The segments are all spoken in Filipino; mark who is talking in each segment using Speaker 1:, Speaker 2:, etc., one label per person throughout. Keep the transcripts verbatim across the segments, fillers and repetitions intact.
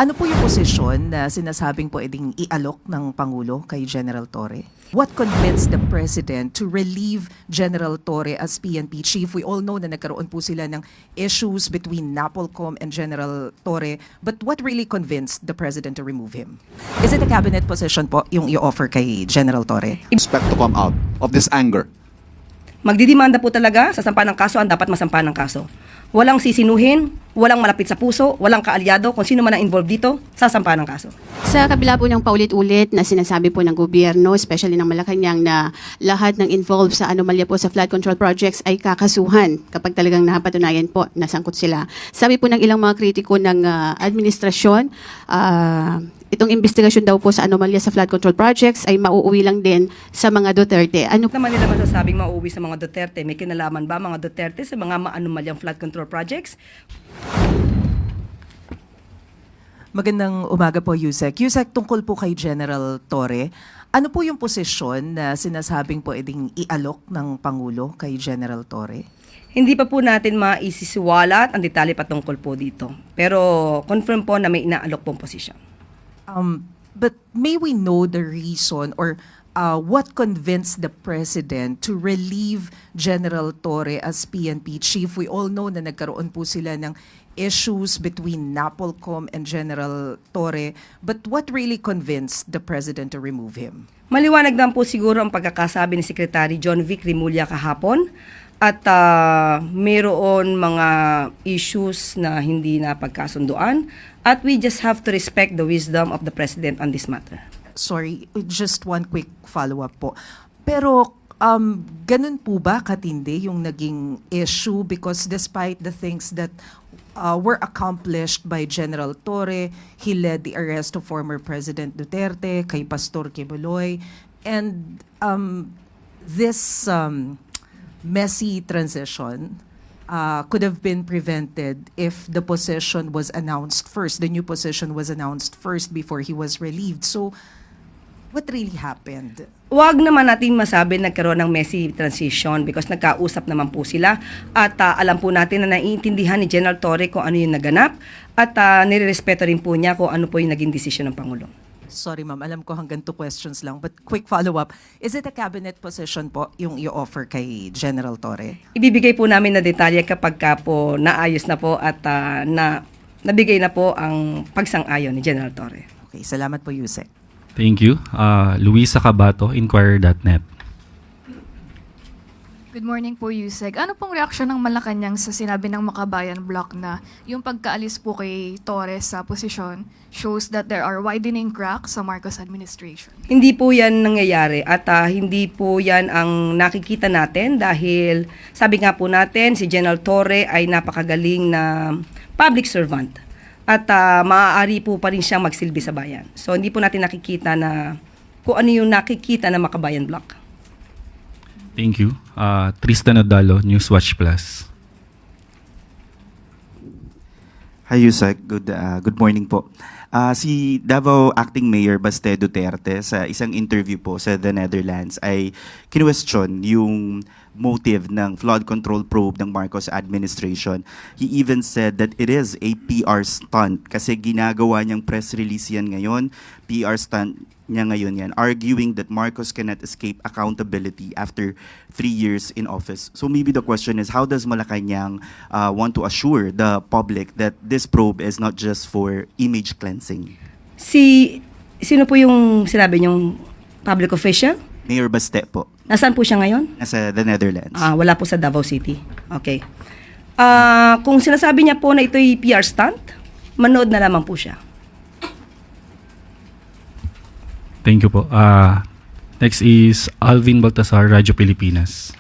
Speaker 1: Ano po yung posisyon na sinasabing pwedeng ialok ng Pangulo kay General Torre? What convinced the President to relieve General Torre as P N P Chief? We all know na nagkaroon po sila ng issues between NAPOLCOM and General Torre. But what really convinced the President to remove him? Is it a cabinet position po yung i-offer kay General Torre?
Speaker 2: Expect to come out of this anger?
Speaker 3: Magdidimanda po talaga sa sampa ng kaso ang dapat masampa ng kaso. Walang sisinuhin, walang malapit sa puso, walang kaalyado, kung sino man ang involved dito, sasampa ng kaso.
Speaker 4: Sa kabila po ng paulit-ulit na sinasabi po ng gobyerno, especially ng Malacanang, na lahat ng involved sa anomalya po sa flood control projects ay kakasuhan kapag talagang napatunayan po na sangkot sila. Sabi po ng ilang mga kritiko ng uh, administrasyon, uh, itong investigasyon daw po sa anomalya sa flood control projects ay mauuwi lang din sa mga Duterte. Ano
Speaker 3: Naman nila masasabing mauuwi sa mga Duterte, may kinalaman ba mga Duterte sa mga maanomalyang flood control projects?
Speaker 1: Magandang umaga po, Yusek. Yusek, tungkol po kay General Torre, ano po yung posisyon na sinasabing pwedeng ialok ng Pangulo kay General Torre?
Speaker 3: Hindi pa po natin maisisiwalat ang detalye patungkol po dito. Pero confirm po na may inaalok pong posisyon.
Speaker 1: Um, but may we know the reason or uh, what convinced the President to relieve General Torre as P N P Chief? We all know na nagkaroon po sila ng issues between NAPOLCOM and General Torre. But what really convinced the President to remove him?
Speaker 3: Maliwanag lang po siguro ang pagkakasabi ni Secretary John Vic Rimulya kahapon. At uh, mayroon mga issues na hindi na pagkasunduan. At we just have to respect the wisdom of the President on this matter.
Speaker 1: Sorry, just one quick follow-up po. Pero um, ganun po ba katindi yung naging issue? Because despite the things that uh, were accomplished by General Torre, he led the arrest of former President Duterte, kay Pastor Quiboloy, and um, this um, messy transition uh, could have been prevented if the position was announced first, the new position was announced first before he was relieved. So, what really happened?
Speaker 3: Huwag naman natin masabi nagkaroon ng messy transition because nagkausap naman po sila at uh, alam po natin na naiintindihan ni General Torre kung ano yung naganap at uh, nirerespeto rin po niya kung ano po yung naging desisyon ng Pangulo.
Speaker 1: Sorry ma'am, alam ko hanggang two questions lang, but quick follow-up. Is it a cabinet position po yung i-offer kay General Torre?
Speaker 3: Ibibigay po namin na detalye kapag ka po naayos na po at uh, na, nabigay na po ang pagsang-ayon ni General Torre.
Speaker 1: Okay, salamat po, Yusek.
Speaker 5: Thank you. Uh, Luisa Cabato, Inquirer dot net.
Speaker 6: Good morning po, Yusek. Ano pong reaksyon ng Malacanang sa sinabi ng Makabayan Bloc na yung pagkaalis po kay Torres sa posisyon shows that there are widening cracks sa Marcos administration?
Speaker 3: Hindi po yan nangyayari at uh, hindi po yan ang nakikita natin dahil sabi nga po natin si General Torre ay napakagaling na public servant at uh, maaari po pa rin siyang magsilbi sa bayan. So hindi po natin nakikita na kung ano yung nakikita ng Makabayan Bloc.
Speaker 5: Thank you. Uh, Tristan Odalo, Newswatch Plus.
Speaker 7: Hi Yusek, good uh, good morning po. Uh, si Davao Acting Mayor Baste Duterte sa isang interview po sa The Netherlands ay kinwestiyon yung motive ng flood control probe ng Marcos administration. He even said that it is a P R stunt kasi ginagawa niyang press release yan ngayon, P R stunt niya ngayon yan, arguing that Marcos cannot escape accountability after three years in office. So maybe the question is, how does Malacanang uh, want to assure the public that this probe is not just for image cleansing?
Speaker 3: Si, sino po yung sinabi niyong public official?
Speaker 7: Mayor Baste po,
Speaker 3: Nasaan po siya ngayon?
Speaker 7: nasa The Netherlands.
Speaker 3: Ah, wala po sa Davao City. Okay. Ah, kung sinasabi niya po na ito'y P R stunt, manood na lamang po siya.
Speaker 5: Thank you po. Uh, next is Alvin Baltasar, Radyo Pilipinas.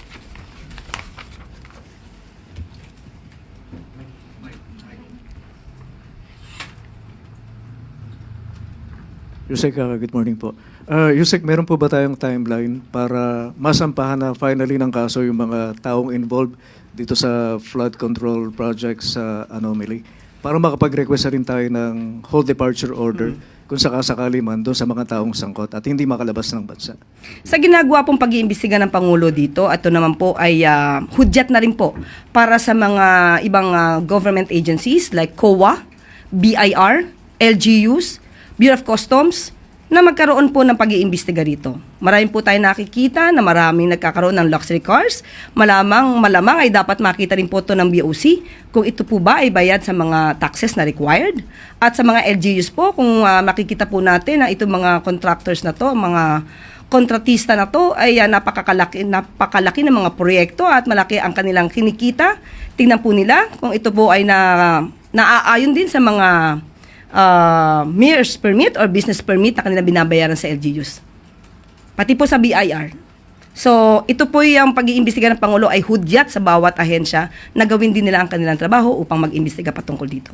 Speaker 8: Yusek, uh, good morning po. Uh, Yusek, meron po ba tayong timeline para masampahan na finally ng kaso yung mga taong involved dito sa flood control projects sa Anomaly? Para makapag-request na rin tayo ng whole departure order mm-hmm. kung sakasakali man doon sa mga taong sangkot at hindi makalabas ng bansa.
Speaker 3: Sa ginagawa pong pag-iimbestiga ng Pangulo dito, ito naman po ay uh, hudyat na rin po para sa mga ibang uh, government agencies like C O A, B I R, L G Us, Bureau of Customs, na magkaroon po ng pag-iimbestiga rito. Marami po tayo nakikita na maraming nagkakaroon ng luxury cars. Malamang, malamang ay dapat makita rin po ito ng B O C kung ito po ba ay bayad sa mga taxes na required. At sa mga L G Us po, kung uh, makikita po natin na itong mga contractors na to, mga kontratista na to ay uh, napakakalaki, napakalaki ng mga proyekto at malaki ang kanilang kinikita. Tingnan po nila kung ito po ay na, naaayon din sa mga uh, mayor's permit or business permit na kanilang binabayaran sa L G Us. Pati po sa B I R. So, ito po yung pag-iimbestiga ng Pangulo ay hudyat sa bawat ahensya na gawin din nila ang kanilang trabaho upang mag-imbestiga patungkol dito.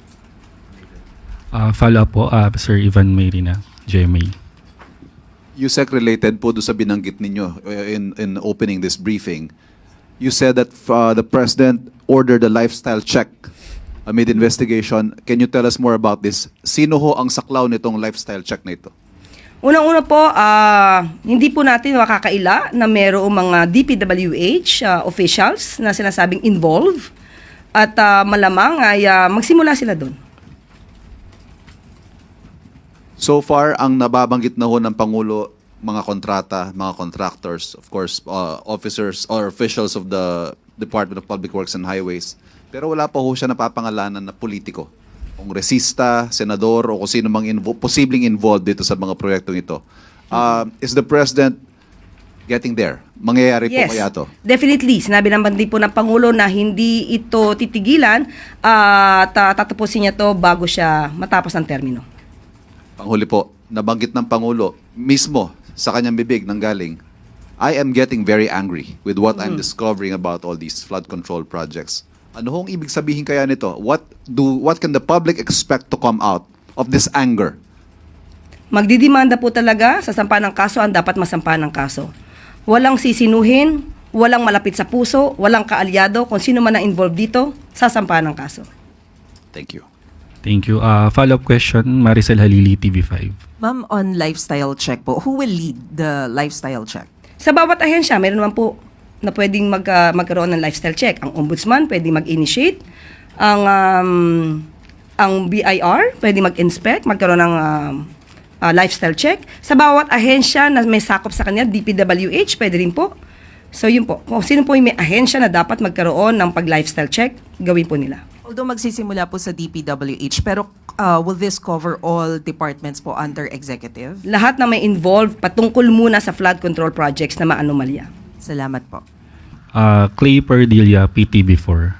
Speaker 5: Uh, follow up po, uh, Sir Ivan Mayrina, G M A.
Speaker 2: Yusek, related po doon sa binanggit ninyo uh, in, in opening this briefing. You said that uh, the President ordered a lifestyle check amid investigation. Can you tell us more about this? Sino ho ang saklaw nitong lifestyle check na ito?
Speaker 3: Unang-una po, ah, hindi po natin makakaila na mayroong mga D P W H ah, officials na sinasabing involved at ah, malamang ay ah, magsimula sila doon.
Speaker 2: So far, ang nababanggit na ho ng Pangulo, mga kontrata, mga contractors, of course, uh, officers or officials of the Department of Public Works and Highways. Pero wala pa ho siya napapangalanan na politiko. Kongresista, senador, o kung sino mang invo- posibleng involved dito sa mga proyektong ito. Uh, is the President getting there? Mangyayari po kaya to?
Speaker 3: Definitely. Sinabi naman din po ng Pangulo na hindi ito titigilan at uh, tatapusin niya to bago siya matapos ang termino.
Speaker 2: Panghuli po, nabanggit ng Pangulo mismo sa kanyang bibig nang galing, I am getting very angry with what I'm discovering about all these flood control projects. Ano hong ibig sabihin kaya nito? What do what can the public expect to come out of this anger?
Speaker 3: Magdidemanda po talaga sa sampa ng kaso ang dapat masampa ng kaso. Walang sisinuhin, walang malapit sa puso, walang kaalyado, kung sino man ang involved dito, sasampa ng kaso.
Speaker 2: Thank you.
Speaker 5: Thank you. Uh, follow-up question, Maricel Halili, T V five.
Speaker 1: Ma'am, on lifestyle check po, who will lead the lifestyle check?
Speaker 3: Sa bawat ahensya, meron naman po na pwedeng mag, uh, magkaroon ng lifestyle check. Ang ombudsman pwedeng mag-initiate. Ang um, ang B I R pwedeng mag-inspect, magkaroon ng um, uh, lifestyle check. Sa bawat ahensya na may sakop sa kanya, D P W H, pwede rin po. So yun po, kung sino po yung may ahensya na dapat magkaroon ng pag-lifestyle check, gawin po nila.
Speaker 1: Although magsisimula po sa D P W H, pero uh, will this cover all departments po under executive?
Speaker 3: Lahat na may involved patungkol muna sa flood control projects na maanomalya.
Speaker 1: Salamat po.
Speaker 5: Uh, Clay Perdilla, P T B four.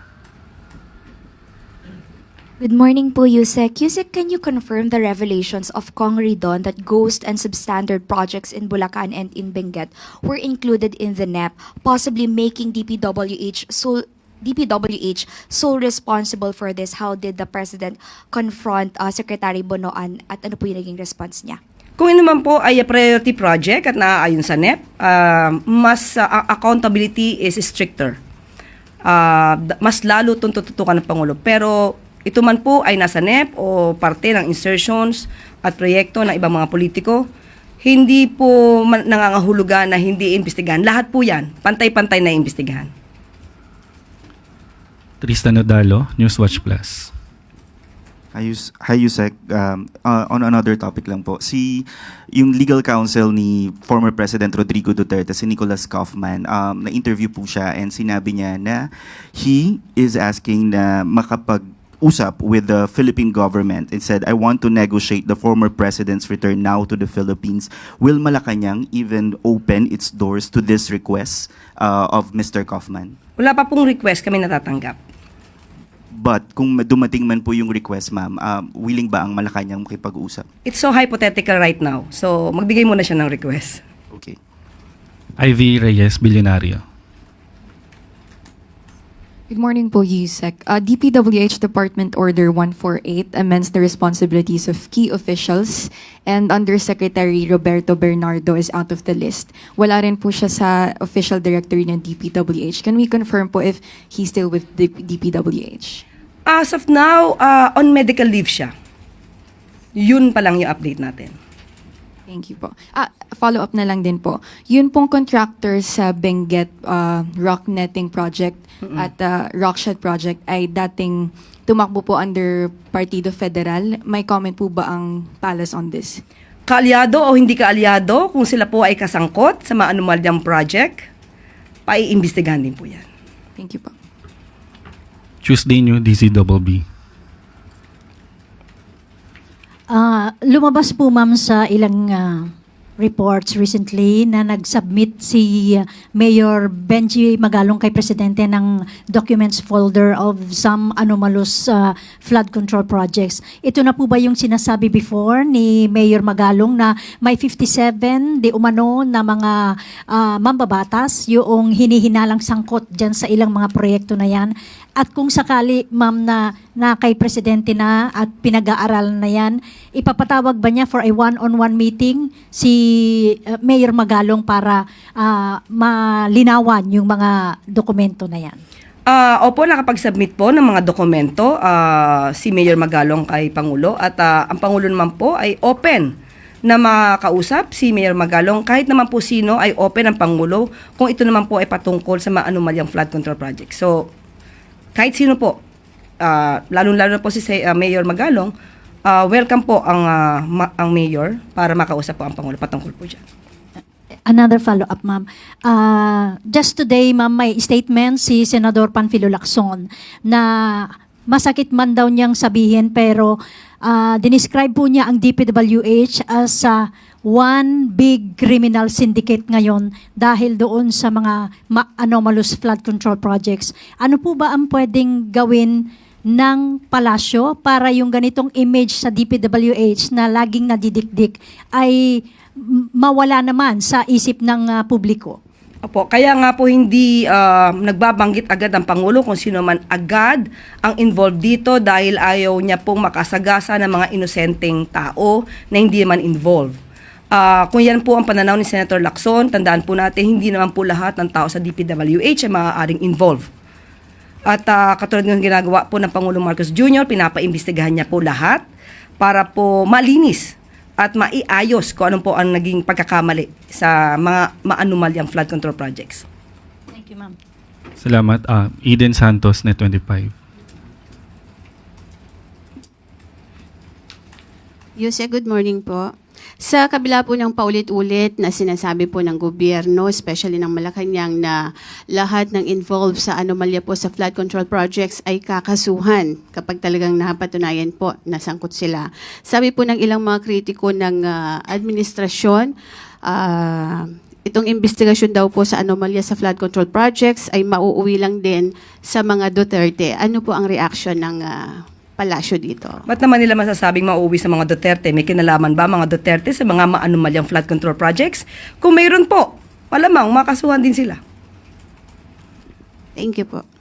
Speaker 9: Good morning po, Yusek. Yusek, can you confirm the revelations of Kong Ridon that ghost and substandard projects in Bulacan and in Benguet were included in the N E P, possibly making D P W H sole D P W H sole responsible for this? How did the President confront uh, Secretary Bonoan at ano po yung naging response niya?
Speaker 3: Kung ino man po ay a priority project at naaayon sa N E P, uh, mas uh, accountability is stricter. Uh, mas lalo itong tututukan ng Pangulo. Pero ito man po ay nasa N E P o parte ng insertions at proyekto ng ibang mga politiko, hindi po man, nangangahulugan na hindi imbestigahan. Lahat po yan, pantay-pantay na imbestigahan.
Speaker 5: Tristan Odalo, Newswatch Plus.
Speaker 7: Hi, Yus- Hi Yusek. Um, uh, on another topic lang po. Si, yung legal counsel ni former President Rodrigo Duterte, si Nicholas Kaufman, um, na-interview po siya and sinabi niya na he is asking na makapag-usap with the Philippine government and said, I want to negotiate the former president's return now to the Philippines. Will Malacanang even open its doors to this request uh, of Mister Kaufman?
Speaker 3: Wala pa pong request kami natatanggap.
Speaker 7: But kung dumating man po yung request, ma'am, um, willing ba ang Malacanang makipag-usap?
Speaker 3: It's so hypothetical right now. So, magbigay muna siya ng request.
Speaker 7: Okay.
Speaker 5: Ivy Reyes, Bilyonaryo.
Speaker 10: Good morning po, Yusek. Uh, D P W H Department Order one forty-eight amends the responsibilities of key officials and Undersecretary Roberto Bernardo is out of the list. Wala rin po siya sa official directory ng D P W H. Can we confirm po if he's still with the D P W H?
Speaker 3: As of now, uh, on medical leave siya. Yun pa lang yung update natin.
Speaker 10: Thank you po. Ah, follow-up na lang din po. Yun pong contractor sa Benguet uh, rock netting project at uh, rockshed project ay dating tumakbo po under Partido Federal. May comment po ba ang Palace on this?
Speaker 3: Kaalyado o hindi kaalyado, kung sila po ay kasangkot sa mga anomalyang project, paiimbestigahan din po yan.
Speaker 10: Thank you po.
Speaker 5: Tuesday New D C B B.
Speaker 11: Ah, lumabas po ma'am sa ilang ah, reports recently na nag-submit si ah, Mayor Benji Magalong kay Presidente ng documents folder of some anomalous ah, flood control projects. Ito na po ba yung sinasabi before ni Mayor Magalong na may fifty-seven di umano na mga ah, mambabatas yung hinihinalang sangkot dyan sa ilang mga proyekto na yan? At kung sakali, ma'am, na, na kay Presidente na at pinag-aaralan na yan, ipapatawag ba niya for a one-on-one meeting si uh, Mayor Magalong para uh, malinawan yung mga dokumento na yan?
Speaker 3: Ah, opo, nakapag-submit po ng mga dokumento ah, si Mayor Magalong kay Pangulo at ah, ang Pangulo naman po ay open na makausap si Mayor Magalong kahit naman po sino ay open ang Pangulo kung ito naman po ay patungkol sa mga anomalyang flood control project. So, kahit sino po, uh, lalo-lalo na po si uh, Mayor Magalong, uh, welcome po ang, uh, ma- ang Mayor para makausap po ang Pangulo patungkol po dyan.
Speaker 11: Another follow-up, ma'am. Uh, just today, ma'am, may statement si Senador Panfilo Lacson na masakit man daw niyang sabihin pero uh, dinescribe po niya ang D P W H as uh, one big criminal syndicate ngayon dahil doon sa mga ma- anomalous flood control projects. Ano po ba ang pwedeng gawin ng palasyo para yung ganitong image sa D P W H na laging nadidikdik ay m- mawala naman sa isip ng uh, publiko?
Speaker 3: Opo, kaya nga po hindi uh, nagbabanggit agad ang Pangulo kung sino man agad ang involved dito dahil ayaw niya pong makasagasa ng mga inosenteng tao na hindi man involved. Uh, kung yan po ang pananaw ni Senator Lacson, tandaan po natin, hindi naman po lahat ng tao sa D P W H ay maaaring involved. At uh, katulad ng ginagawa po ng Pangulong Marcos Junior, pinapaimbestigahan niya po lahat para po malinis at maiayos kung ano po ang naging pagkakamali sa mga maanumalyang flood control projects.
Speaker 11: Thank you, ma'am.
Speaker 5: Salamat. Ah, Eden Santos, Net twenty-five.
Speaker 4: Yuse, good morning po. Sa kabila po ng paulit-ulit na sinasabi po ng gobyerno, especially ng Malacanang, na lahat ng involved sa anomalya po sa flood control projects ay kakasuhan kapag talagang napatunayan po na sangkot sila. Sabi po ng ilang mga kritiko ng ah, administrasyon, ah, itong investigasyon daw po sa anomalya sa flood control projects ay mauuwi lang din sa mga Duterte. Ano po ang reaction ng ah, palasyo dito?
Speaker 3: Ba't naman nila masasabing mauwi sa mga Duterte? May kinalaman ba mga Duterte sa mga maanumalyang flood control projects? Kung mayroon po, malamang makasuhan din sila.
Speaker 4: Thank you po.